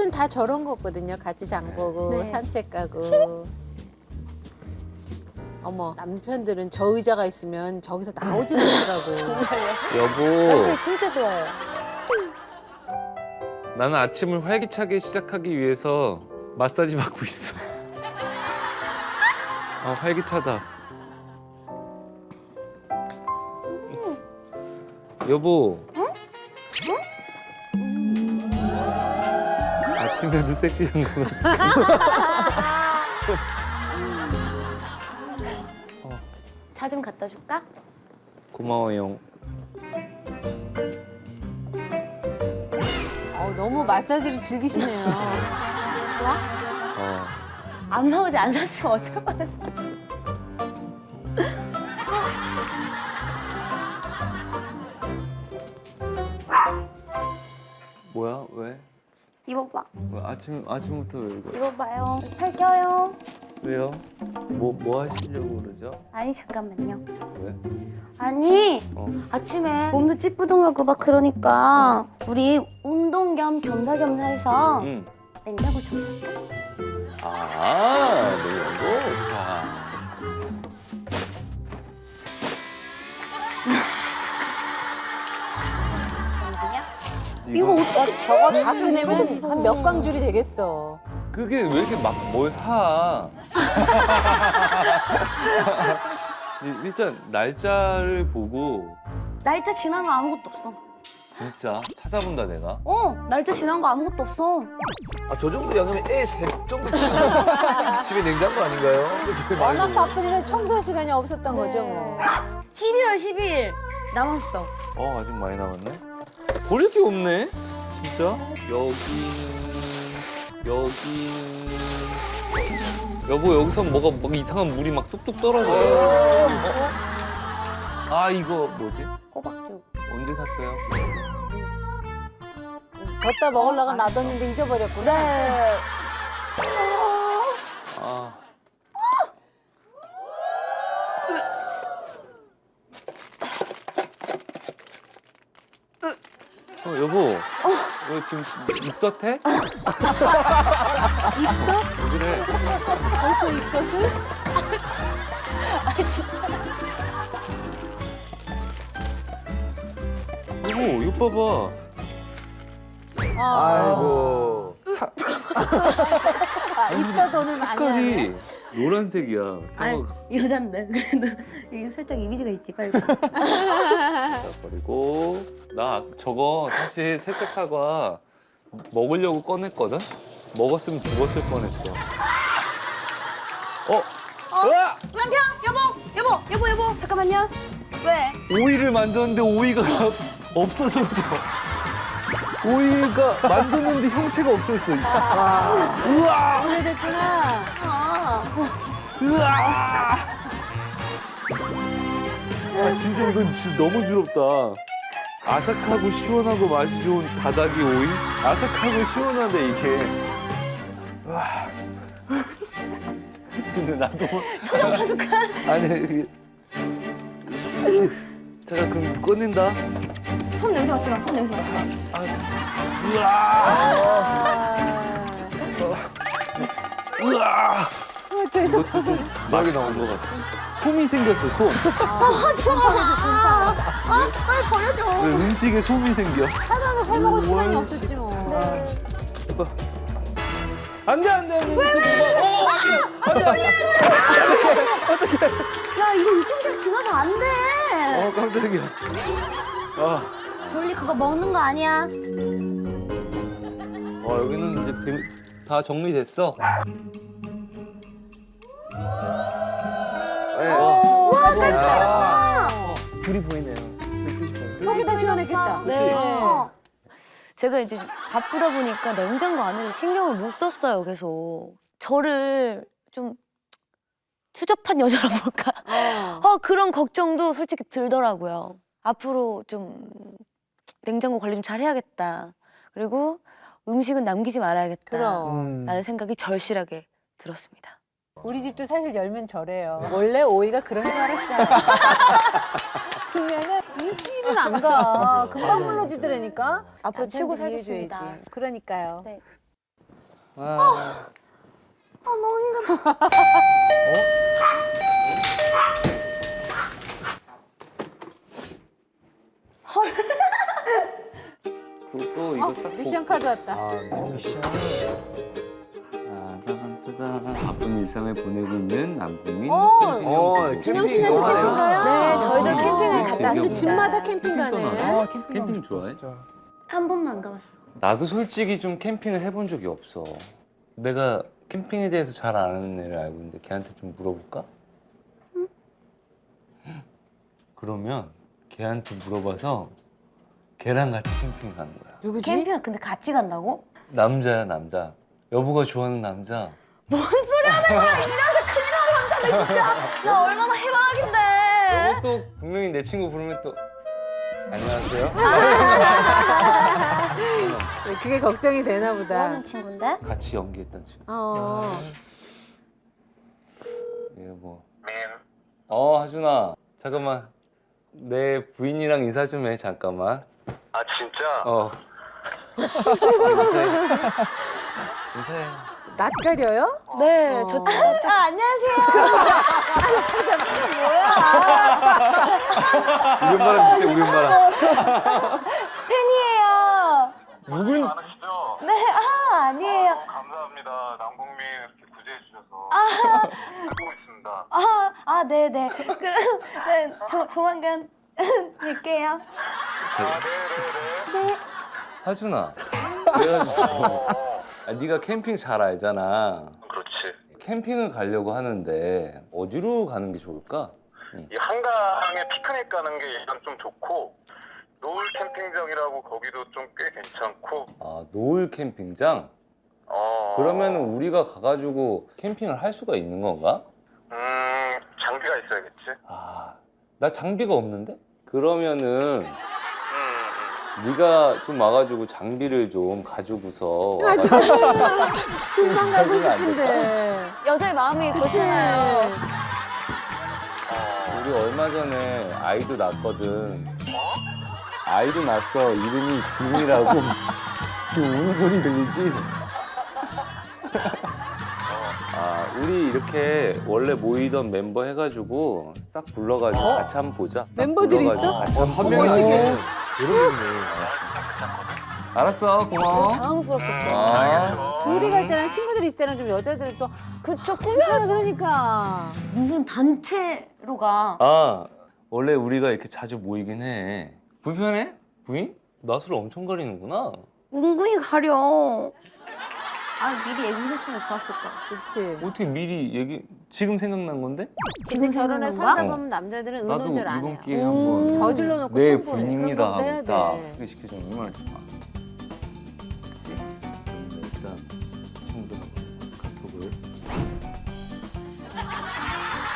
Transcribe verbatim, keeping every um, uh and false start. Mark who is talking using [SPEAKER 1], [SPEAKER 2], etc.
[SPEAKER 1] 남자들은 다 저런 거거든요. 같이 장 보고
[SPEAKER 2] 네.
[SPEAKER 1] 산책 가고. 어머, 남편들은 저 의자가 있으면 저기서 나오지도 않더라고.
[SPEAKER 3] 여보,
[SPEAKER 2] 남편 진짜 좋아요.
[SPEAKER 3] 나는 아침을 활기차게 시작하기 위해서 마사지 받고 있어. 아, 활기차다. 여보. 아침에도 섹시한 거 같아.
[SPEAKER 2] 차 좀 갖다 줄까?
[SPEAKER 3] 고마워요.
[SPEAKER 1] 어, 너무 마사지를 즐기시네요.
[SPEAKER 2] 좋아?
[SPEAKER 3] 어.
[SPEAKER 2] 안 나오지 안 샀으면 어쩔 뻔했어.
[SPEAKER 3] 뭐야? 왜?
[SPEAKER 2] 입어봐.
[SPEAKER 3] 왜 아침 아침부터 왜 이거?
[SPEAKER 2] 입어봐요. 팔 껴요.
[SPEAKER 3] 왜요? 뭐 뭐 하시려고 그러죠?
[SPEAKER 2] 아니 잠깐만요.
[SPEAKER 3] 왜?
[SPEAKER 2] 아니
[SPEAKER 3] 어.
[SPEAKER 2] 아침에 몸도 찌뿌둥하고 막 그러니까 우리 운동 겸 겸사겸사해서
[SPEAKER 3] 응.
[SPEAKER 2] 냉장고 청소할까?
[SPEAKER 3] 아, 내 여보. 자.
[SPEAKER 2] 이거 어떻게
[SPEAKER 1] 저거 다 꺼내면 한 몇 광줄이 되겠어.
[SPEAKER 3] 그게 왜 이렇게 막 뭘 사? 이- 일단 날짜를 보고
[SPEAKER 2] 날짜 지난 거 아무것도 없어.
[SPEAKER 3] 진짜 찾아본다 내가.
[SPEAKER 2] 어 날짜 지난 거 아무것도 없어.
[SPEAKER 4] 아, 저 정도 양이면 애 셋 정도 되잖아요. 집에 냉장고 아닌가요? 되게 많이
[SPEAKER 1] 워낙
[SPEAKER 4] 먹어요.
[SPEAKER 1] 바쁘니까 청소 시간이 없었던 거죠, 뭐.
[SPEAKER 2] 십일월 십일 남았어.
[SPEAKER 3] 어 아직 많이 남았네. 버릴 게 없네. 진짜 여기는 여기는 여보 여기서 뭐가 막 이상한 물이 막 뚝뚝 떨어져요. 어? 아 이거 뭐지?
[SPEAKER 2] 꼬박죽.
[SPEAKER 3] 언제 샀어요?
[SPEAKER 1] 걷다 먹으려고 놔뒀는데 잊어버렸구나.
[SPEAKER 2] 네.
[SPEAKER 3] 아. 어, 여보. 너 지금 입덧해?
[SPEAKER 1] 입덧?
[SPEAKER 3] 왜 그래?
[SPEAKER 1] 벌써 입덧을?
[SPEAKER 2] 아 진짜.
[SPEAKER 3] 여보, 이거 봐봐.
[SPEAKER 1] 아,
[SPEAKER 4] 아이고.
[SPEAKER 3] 사,
[SPEAKER 1] 아, 입덧 오늘 많이 하네.
[SPEAKER 3] 색깔이 노란색이야.
[SPEAKER 2] 아니
[SPEAKER 3] 사과
[SPEAKER 2] 여잔데 그래도 이게 살짝 이미지가 있지 빨리.
[SPEAKER 3] 버리고. 나 저거 사실 살짝 사과 먹으려고 꺼냈거든? 먹었으면 죽었을 뻔했어. 어? 으아!
[SPEAKER 2] 남편 여보 여보 여보 여보 잠깐만요. 왜?
[SPEAKER 3] 오이를 만졌는데 오이가 없어졌어. 오이가 만졌는데 형체가 없어졌어. 우와!
[SPEAKER 1] 오래됐구나.
[SPEAKER 2] 아.
[SPEAKER 3] 으아! 아 진짜 이건 진짜 너무 부럽다. 아삭하고 시원하고 맛이 좋은 다다기 오이? 아삭하고 시원한데 이게. 와. 근데 나도
[SPEAKER 2] 초장 파줄까?
[SPEAKER 3] 아니 이게. 제가 그럼 꺼낸다.
[SPEAKER 2] 손 냄새 맡지 마. 손 냄새 맡지 마.
[SPEAKER 3] 으아! 으아!
[SPEAKER 1] 어, 계속
[SPEAKER 3] 이것도
[SPEAKER 1] 저서
[SPEAKER 3] 좀 맛이 나온 것 같아. 솜이 생겼어, 솜.
[SPEAKER 2] 하지 마. 아, 아, 빨리 버려줘.
[SPEAKER 3] 왜 음식에 솜이 생겨?
[SPEAKER 1] 하다가 해먹을 시간이
[SPEAKER 3] 뭘
[SPEAKER 1] 없었지 뭐.
[SPEAKER 3] 해봐. 안 돼, 안 돼, 안 돼. 왜, 왜? 어, 안 돼. 안 돼.
[SPEAKER 2] 야 이거 유통기한 지나서 안 돼.
[SPEAKER 3] 어, 깜짝이야. 아,
[SPEAKER 2] 졸리 그거 먹는 거 아니야.
[SPEAKER 3] 어, 여기는 이제 dem- 다 정리됐어. 네, 어.
[SPEAKER 1] 와,
[SPEAKER 2] 깔끔했어.
[SPEAKER 4] 불이 보이네요. 불빛이 보이네요.
[SPEAKER 1] 속이 다 시원했겠다.
[SPEAKER 2] 네.
[SPEAKER 1] 어.
[SPEAKER 2] 제가 이제 바쁘다 보니까 냉장고 안에를 신경을 못 썼어요. 계속 저를 좀 추접한 여자라 볼까?
[SPEAKER 1] 어.
[SPEAKER 2] 아 그런 걱정도 솔직히 들더라고요. 앞으로 좀 냉장고 관리 좀 잘해야겠다. 그리고 음식은 남기지 말아야겠다.
[SPEAKER 1] 그럼.
[SPEAKER 4] 음.
[SPEAKER 2] 라는 생각이 절실하게 들었습니다.
[SPEAKER 1] 우리 집도 사실 열면 저래요. 원래 오이가 그런 줄 알았어요. 두면은 일주일은 안 가. 금방 물러지더라니까.
[SPEAKER 2] 앞으로 치고
[SPEAKER 1] 남편들이 이해해줘야지.
[SPEAKER 2] 살겠습니다.
[SPEAKER 1] 그러니까요.
[SPEAKER 2] 네.
[SPEAKER 3] 아,
[SPEAKER 2] 아 너무 힘들어.
[SPEAKER 3] 그리고 또 이거
[SPEAKER 1] 어,
[SPEAKER 3] 싹
[SPEAKER 1] 미션 카드 왔다.
[SPEAKER 4] 아, 미션.
[SPEAKER 3] 따단따단. 바쁜 일상을 보내고 있는 남궁민.
[SPEAKER 1] 어,
[SPEAKER 4] 어,
[SPEAKER 1] 준영 씨네도
[SPEAKER 4] 캠핑
[SPEAKER 1] 캠핑 가요?
[SPEAKER 2] 네, 저희도
[SPEAKER 3] 아,
[SPEAKER 2] 캠핑을 갔다
[SPEAKER 3] 우리
[SPEAKER 1] 우리
[SPEAKER 2] 왔습니다.
[SPEAKER 1] 집마다 캠핑 가네.
[SPEAKER 3] 아, 캠핑 좋아해?
[SPEAKER 2] 한 번도 안 가봤어.
[SPEAKER 3] 나도 솔직히 좀 캠핑을 해본 적이 없어. 내가 캠핑에 대해서 잘 아는 애를 알고 있는데 걔한테 좀 물어볼까? 그러면 걔한테 물어봐서 걔랑 같이 캠핑 가는 거야.
[SPEAKER 1] 누구지?
[SPEAKER 2] 캠핑을 근데 같이 간다고?
[SPEAKER 3] 남자야 남자. 여보가 좋아하는 남자.
[SPEAKER 2] 뭔 소리 하는 거야? 이 남자 큰일 나는 남자네 진짜. 나 얼마나 해방인데.
[SPEAKER 3] 여보 또 분명히 내 친구 부르면 또 안녕하세요.
[SPEAKER 1] 네, 그게 걱정이 되나 보다.
[SPEAKER 2] 뭐하는 친구인데?
[SPEAKER 3] 같이 연기했던 친구.
[SPEAKER 1] 어.
[SPEAKER 3] 이거 뭐. 어 하준아 잠깐만 내 부인이랑 인사 좀 해 잠깐만.
[SPEAKER 5] 아 진짜?
[SPEAKER 3] 어. 인사해. 인사해.
[SPEAKER 1] 낯가려요?
[SPEAKER 2] 네,
[SPEAKER 1] 어.
[SPEAKER 2] 저. 아, 안녕하세요.
[SPEAKER 4] 우리 엄마랑 비슷해, 우리 엄마랑.
[SPEAKER 2] 팬이에요.
[SPEAKER 3] 누군?
[SPEAKER 5] 많으시죠?
[SPEAKER 2] 네, 아 아니에요.
[SPEAKER 5] 감사합니다. 남궁민 이렇게 구제해 주셔서 듣고 있습니다.
[SPEAKER 2] 아, 아, 네, 네. 그럼 네, 조, 조만간 뵐게요.
[SPEAKER 5] 아 네네네.
[SPEAKER 2] 네.
[SPEAKER 3] 하준아. 그래가지고 아, 네가 캠핑 잘 알잖아.
[SPEAKER 5] 그렇지.
[SPEAKER 3] 캠핑을 가려고 하는데 어디로 가는 게 좋을까?
[SPEAKER 5] 이 한강에 피크닉 가는 게 일단 좀 좋고 노을 캠핑장이라고 거기도 좀 꽤 괜찮고.
[SPEAKER 3] 아 노을 캠핑장?
[SPEAKER 5] 어.
[SPEAKER 3] 그러면 우리가 가가지고 캠핑을 할 수가 있는 건가?
[SPEAKER 5] 음 장비가 있어야겠지.
[SPEAKER 3] 아, 나 장비가 없는데? 그러면은
[SPEAKER 5] 음.
[SPEAKER 3] 네가 좀 와가지고 장비를 좀 가지고서
[SPEAKER 1] 아, 저 둘만 가고
[SPEAKER 3] 해주면 안
[SPEAKER 1] 싶은데.
[SPEAKER 2] 여자의 마음이
[SPEAKER 1] 그치?
[SPEAKER 2] 그렇잖아요.
[SPEAKER 3] 우리 얼마 전에 아이도 낳았거든. 아이도 낳았어. 이름이 김이라고. 지금 우는 소리 들리지? 아, 우리 이렇게 원래 모이던 멤버 해가지고 싹 불러가지고
[SPEAKER 1] 어?
[SPEAKER 3] 같이 한번 보자. 싹
[SPEAKER 1] 멤버들이
[SPEAKER 3] 불러가지고
[SPEAKER 1] 있어?
[SPEAKER 3] 같이 한번
[SPEAKER 4] 한
[SPEAKER 3] 보자.
[SPEAKER 4] 명이
[SPEAKER 1] 어떻게?
[SPEAKER 4] 여러 명이네.
[SPEAKER 3] 알았어, 고마워.
[SPEAKER 2] 당황스럽겠어.
[SPEAKER 3] 아,
[SPEAKER 1] 둘이 갈 때랑 친구들이 있을 때랑 좀 여자들이 또
[SPEAKER 2] 그쵸,
[SPEAKER 1] 꾸며요, 그러니까.
[SPEAKER 2] 무슨 단체로 가.
[SPEAKER 3] 아, 원래 우리가 이렇게 자주 모이긴 해. 불편해? 부인? 낯을 엄청 가리는구나.
[SPEAKER 2] 은근히 가려. 아, 미리 얘기했으면 좋았을 거야.
[SPEAKER 1] 그렇지.
[SPEAKER 3] 어떻게 미리 얘기, 지금 생각난 건데?
[SPEAKER 1] 근데 결혼해
[SPEAKER 2] 생각난
[SPEAKER 1] 살다
[SPEAKER 3] 거야?
[SPEAKER 1] 보면 남자들은
[SPEAKER 3] 나도
[SPEAKER 1] 의논절 안
[SPEAKER 3] 이번
[SPEAKER 1] 해요.
[SPEAKER 3] 기회에 한번
[SPEAKER 1] 저질러 놓고
[SPEAKER 3] 내
[SPEAKER 1] 뻔뻔해.
[SPEAKER 3] 부인입니다
[SPEAKER 1] 그런 것도 해야
[SPEAKER 3] 하고 딱
[SPEAKER 1] 돼.
[SPEAKER 3] 소개시켜주면 얼마나 좋아.